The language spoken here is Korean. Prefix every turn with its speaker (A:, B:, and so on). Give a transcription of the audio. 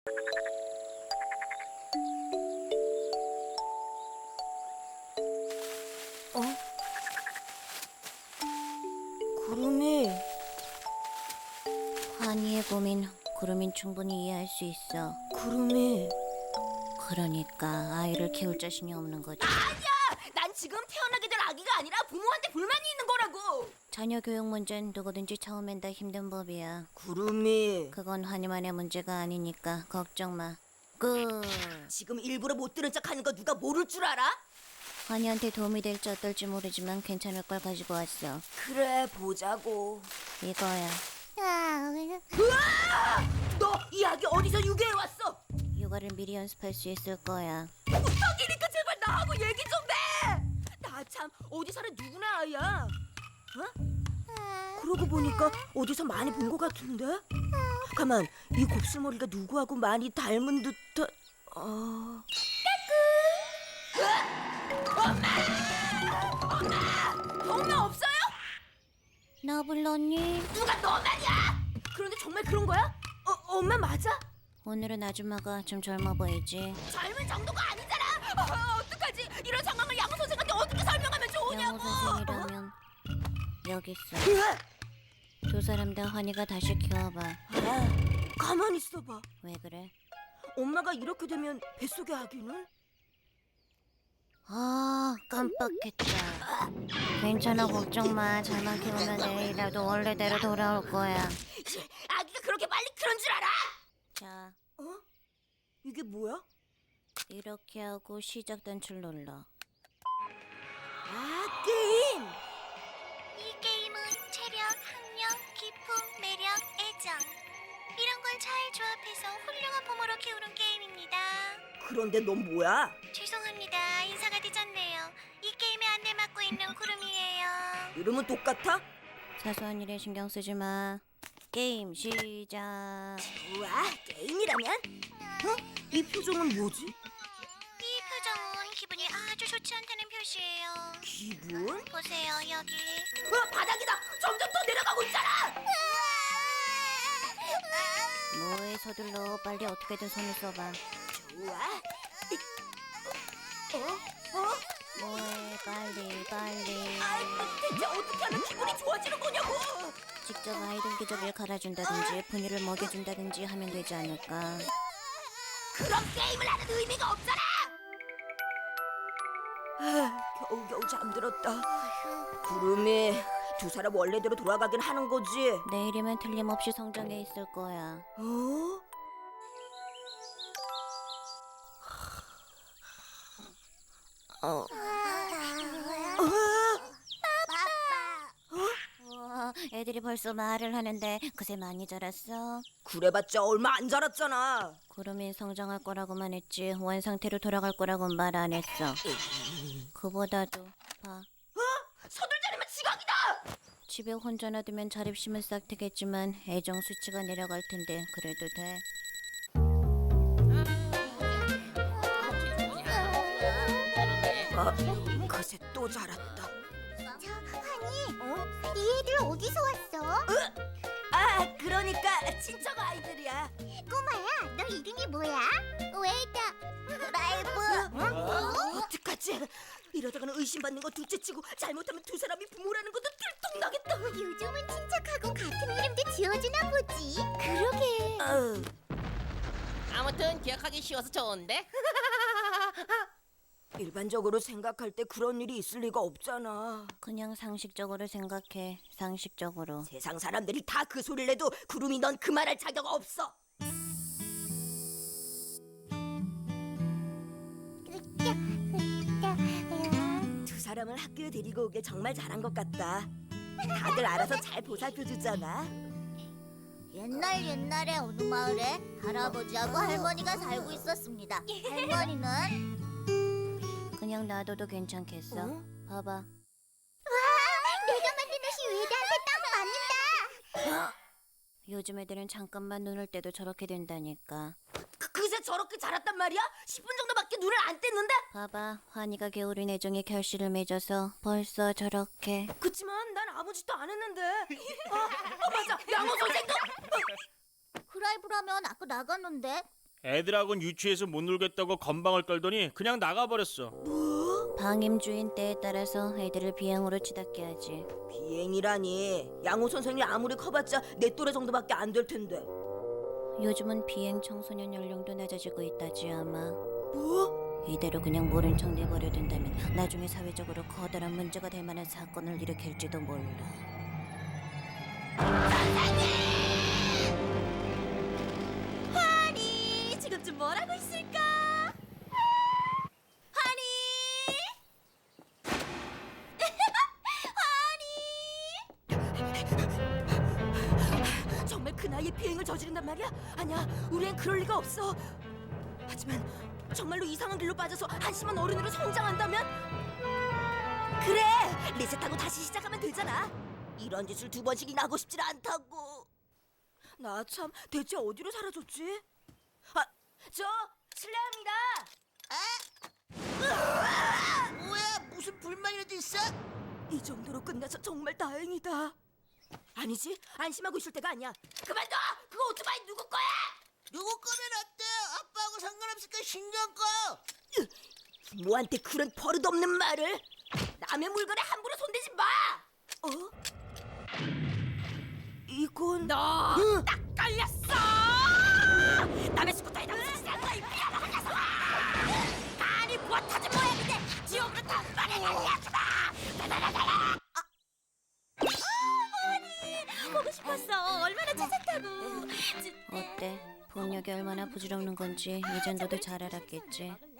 A: 어? 구름이.
B: 환희의 고민, 구름인 충분히 이해할 수 있어.
A: 구름이.
B: 그러니까 아이를 키울 자신이 없는 거지.
A: 난 지금 태어나게 될 아기가 아니라 부모한테 불만이 있는 거라고.
B: 자녀 교육 문제는 누구든지 처음엔 다 힘든 법이야.
A: 구름이.
B: 그건 환희만의 문제가 아니니까 걱정 마. 끝.
A: 지금 일부러 못 들은 척하는 거 누가 모를 줄 알아?
B: 환희한테 도움이 될지 어떨지 모르지만 괜찮을 걸 가지고 왔어.
A: 그래, 보자고.
B: 이거야.
A: 너 이 아기 어디서 유괴해 왔어?
B: 육아를 미리 연습할 수 있을 거야.
A: 부탁이니까 제발 나하고 얘기 좀 해. 나 참 어디 사는 누구네 아이야? 어? 그러고 보니까 어디서 많이 본 것 같은데? 가만, 이 곱슬머리가 누구하고 많이 닮은 듯한... 엄마 없어요?
B: 나 불렀니?
A: 누가 너 말이야? 그런데 정말 그런 거야? 엄마 맞아?
B: 오늘은 아줌마가 좀 젊어 보이지.
A: 젊은 정도가 아니잖아. 어떡하지? 이런 상황을 양호 선생한테 어떻게 설명하면 좋으냐고.
B: 양호 선생이라면 여기 있어. 두 사람 다 환희가 다시 키워봐.
A: 가만히 있어봐.
B: 왜 그래?
A: 엄마가 이렇게 되면 뱃속의 아기는?
B: 아, 깜빡했다. 괜찮아, 걱정 마. 잘만 키우면 내일이라도 원래대로 돌아올 거야.
A: 아기가 그렇게 빨리 그런 줄 알아?
B: 자,
A: 이게 뭐야?
B: 이렇게 하고 시작 단추를 눌러.
A: 아, 게임!
C: 이 게임은 체력, 학력, 기품, 매력, 애정 이런 걸 잘 조합해서 훌륭한 부모로 키우는 게임입니다.
A: 그런데 넌 뭐야?
C: 죄송합니다. 인사가 늦었네요. 이 게임에 안내 맡고 있는 구름이에요.
A: 이름은 똑같아?
B: 사소한 일에 신경 쓰지 마. 게임 시작.
A: 우와, 게임이라면? 이 표정은 뭐지?
C: 이 표정은 기분이 아주 좋지 않다는 표시예요.
A: 기분?
C: 보세요, 여기.
A: 바닥이다! 점점 더 내려가고 있잖아!
B: 뭐에 서둘러. 빨리 어떻게든 손을 써봐.
A: 좋아.
B: 뭐해, 빨리.
A: 대체 어떻게 하면 기분이 좋아지는 거냐고!
B: 직접 아이들 기저귀를 갈아준다든지 분유를 먹여준다든지 하면 되지 않을까.
A: 그런 게임을 하는 의미가 없잖아! 겨우겨우 잠들었다. 구름이, 두 사람 원래대로 돌아가긴 하는 거지?
B: 내일이면 틀림없이 성장해 있을 거야.
A: 어?
B: 우와, 애들이 벌써 말을 하는데 그새 많이 자랐어.
A: 그래봤자 얼마 안 자랐잖아.
B: 구름이 성장할 거라고만 했지 원상태로 돌아갈 거라고는 말 안 했어. 그보다도 봐.
A: 서둘자리면 지각이다!
B: 집에 혼자 놔두면 자립심은 싹 트겠지만 애정 수치가 내려갈 텐데 그래도 돼.
A: 그새 또 자랐다.
C: 환희, 이 애들 어디서 왔어?
A: 아, 그러니까 친척 아이들이야.
C: 꼬마야, 너 이름이 뭐야? 웨이다. 라이브.
A: 어떡하지? 이러다가는 의심받는 거 둘째치고 잘못하면 두 사람이 부모라는 것도 들통나겠다.
C: 요즘은 친척하고 같은 이름도 지어주나 보지. 그러게.
D: 아무튼 기억하기 쉬워서 좋은데?
A: 일반적으로 생각할 때 그런 일이 있을 리가 없잖아.
B: 그냥 상식적으로 생각해. 상식적으로.
A: 세상 사람들이 다 그 소리를 해도 구름이 넌 그 말할 자격 없어. 두 사람을 학교에 데리고 오길 정말 잘한 것 같다. 다들 알아서 잘 보살펴주잖아.
C: 옛날에 어느 마을에 할아버지하고 할머니가 살고 있었습니다. 할머니는
B: 그냥 놔둬도 괜찮겠어. 봐봐.
C: 내가 만든 옷이 웨이드한테 딱 맞는다.
B: 요즘 애들은 잠깐만 눈을 떼도 저렇게 된다니까.
A: 그새 저렇게 자랐단 말이야? 10분 정도밖에 눈을 안 뗐는데?
B: 봐봐. 환희가 게으른 애정에 결실을 맺어서 벌써 저렇게.
A: 그치만 난 아무 짓도 안 했는데. 맞아, 양호 선생도.
C: 그 라이브라면 아까 나갔는데
E: 애들하고는 유치해서 못 놀겠다고 건방을 떨더니 그냥 나가버렸어.
B: 방임 주인 때에 따라서 애들을 비행으로 치닫게 하지.
A: 비행이라니. 양호 선생이 아무리 커봤자 내 또래 정도밖에 안 될 텐데.
B: 요즘은 비행 청소년 연령도 낮아지고 있다지 아마.
A: 뭐?
B: 이대로 그냥 모른 척 내버려 둔다면 나중에 사회적으로 커다란 문제가 될 만한 사건을 일으킬지도 몰라.
A: 하니 지금쯤 뭘 하고 있을까? 하니 하니 정말 그 나이에 비행을 저지른단 말이야? 아니야, 우리엔 그럴 리가 없어. 하지만 정말로 이상한 길로 빠져서 한심한 어른으로 성장한다면? 그래, 리셋하고 다시 시작하면 되잖아. 이런 짓을 2번씩이나 하고 싶질 않다고. 나 참 대체 어디로 사라졌지? 아, 저 실례합니다.
F: 뭐야? 무슨 불만이라도 있어?
A: 이 정도로 끝나서 정말 다행이다. 아니지, 안심하고 있을 때가 아니야. 그만둬! 그거 오토바이 누구 거야?
F: 누구 거면 어때? 아빠하고 상관없으니까 신경 꺼.
A: 부모한테 그런 버릇없는 말을. 남의 물건에 함부로 손대지 마. 어? 이건
D: 너 딱 걸렸어. 남의 스쿠터에 당신이 장사이 미안하다 녀석아. 간이 못하지 뭐야 근데 지옥으로 단번에 날려주마.
A: 보고 싶었어. 얼마나 찾았다고.
B: 어때? 폭력이 얼마나 부질없는 건지 이젠 너도 잘 알았겠지.